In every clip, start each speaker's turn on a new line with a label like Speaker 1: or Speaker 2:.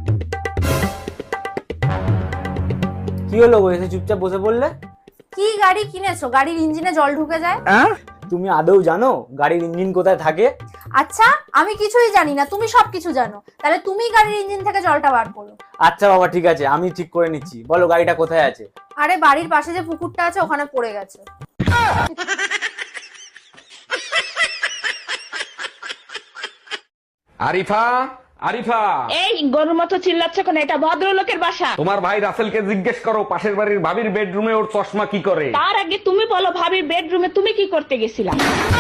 Speaker 1: কি হলো গো, এসে চুপচাপ বসে পড়লে?
Speaker 2: কি গাড়ি কিনেছো? গাড়ির ইঞ্জিনে জল ঢুকে যায়।
Speaker 1: তুমি আদৌ জানো গাড়ির ইঞ্জিন কোথায় থাকে?
Speaker 2: আচ্ছা, আমি কিছুই জানি না, তুমি সবকিছু জানো। তাহলে তুমি গাড়ির ইঞ্জিন থেকে জলটা বার করো।
Speaker 1: আচ্ছা বাবা, ঠিক আছে, আমি ঠিক করে নিচ্ছি। বলো গাড়িটা কোথায় আছে?
Speaker 2: আরে বাড়ির পাশে যে পুকুরটা আছে ওখানে পড়ে গেছে।
Speaker 3: আরিফা, আরিফা,
Speaker 4: এই গরুর মতো চিল্লাচ্ছ কেন? এটা ভদ্রলোকের বাসা।
Speaker 3: তোমার ভাই রাসেলকে জিজ্ঞেস করো পাশের বাড়ির ভাবির বেডরুমে ওর চশমা কি করে।
Speaker 4: তার আগে তুমি বলো, ভাবির বেডরুমে তুমি কি করতে গেছিলা?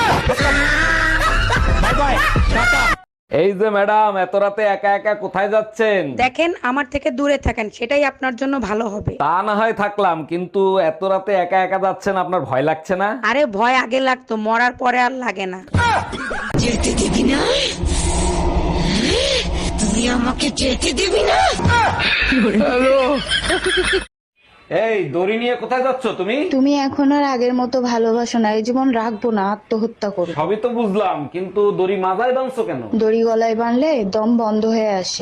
Speaker 3: এই যে ম্যাডাম, এত রাতে একা একা কোথায় যাচ্ছেন?
Speaker 5: দেখেন, আমার থেকে দূরে থাকেন, সেটাই আপনার জন্য ভালো হবে।
Speaker 3: তা না হয় থাকলাম, কিন্তু এত রাতে একা একা যাচ্ছেন, আপনার ভয় লাগছে না?
Speaker 5: আরে ভয় আগে লাগতো, মরার পরে আর লাগে না। যেতে দিবি না, তুই আমাকে যেতে দিবি না।
Speaker 3: এই দড়ি নিয়ে কোথায় যাচ্ছ তুমি?
Speaker 6: তুমি এখন আর আগের মতো ভালোবাসো না, এই জীবন রাখবো না, আত্মহত্যা করো।
Speaker 3: সবই তো বুঝলাম, কিন্তু দড়ি মাথায় বাঁধছো কেন?
Speaker 6: দড়ি গলায় বানলে দম বন্ধ হয়ে আসে।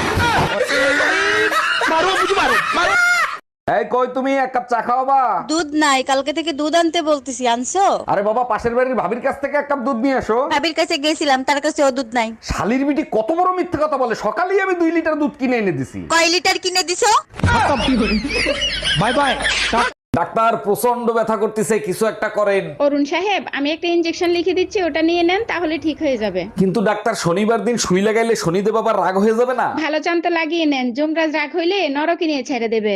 Speaker 3: এই কই তুমি, এক কাপ চা খাওয়াবা?
Speaker 7: দুধ নাই, কালকে থেকে দুধ আনতে বলতেছি, আনছো?
Speaker 3: আরে বাবা, পাশের বাড়ির ভাবির কাছ থেকে এক কাপ দুধ নিয়ে আসো।
Speaker 7: ভাবির কাছে গেছিলাম, তার কাছে ও দুধ নাই।
Speaker 3: শালির বিটি কত বড় মিথ্যে কথা বলে, সকালেই আমি 2 লিটার দুধ কিনে এনে দিছি।
Speaker 7: কয় লিটার কিনে দিছো?
Speaker 3: Bye bye. ডাক্তার, প্রচন্ড ব্যথা করতেছে, কিছু একটা করেন।
Speaker 8: অরুণ সাহেব, আমি একটা ইনজেকশন লিখে দিচ্ছি, ওটা নিয়ে নেন, তাহলে ঠিক হয়ে যাবে।
Speaker 3: কিন্তু ডাক্তার, শনিবার দিন সুই লাগাইলে শনিদেব আবার রাগ হয়ে যাবে না?
Speaker 8: ভালো চান্তা লাগিয়ে নেন, যমরাজ রাগ হইলে নরকে নিয়ে ছেড়ে দেবে।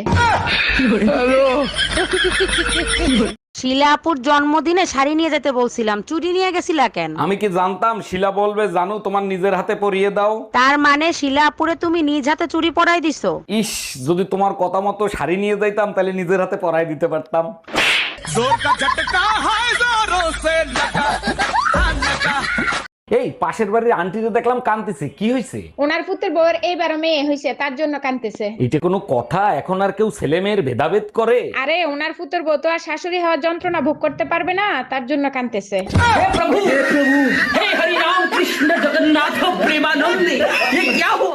Speaker 5: শিলা আপুর জন্মদিনে শাড়ি নিয়ে যেতে বলছিলাম, চুরি নিয়ে গেছিলা কেন?
Speaker 3: আমি কি জানতাম শিলা বলবে জানো তোমার নিজের হাতে পরিয়ে দাও।
Speaker 5: তার মানে শিলা আপুরে তুমি নিজ হাতে চুরি পরাই দিছো?
Speaker 3: ইস, যদি তোমার কথা মতো শাড়ি নিয়ে যাইতাম তাহলে নিজের হাতে পরাই দিতে পারতাম। এই পাশের বাড়ির আন্টিকে দেখলাম কাঁদতেছে, কি হয়েছে?
Speaker 8: ওনার পুত্রের বউয়ের এইবার মেয়ে হয়েছে, তার জন্য কাঁদতেছে।
Speaker 3: এটা কোনো কথা? এখন আর কেউ ছেলে মেয়ের ভেদাভেদ করে?
Speaker 8: আরে ওনার পুত্রের বউ তো আর শাশুড়ি হওয়ার যন্ত্রণা ভোগ করতে পারবে না, তার জন্য কাঁদতেছে।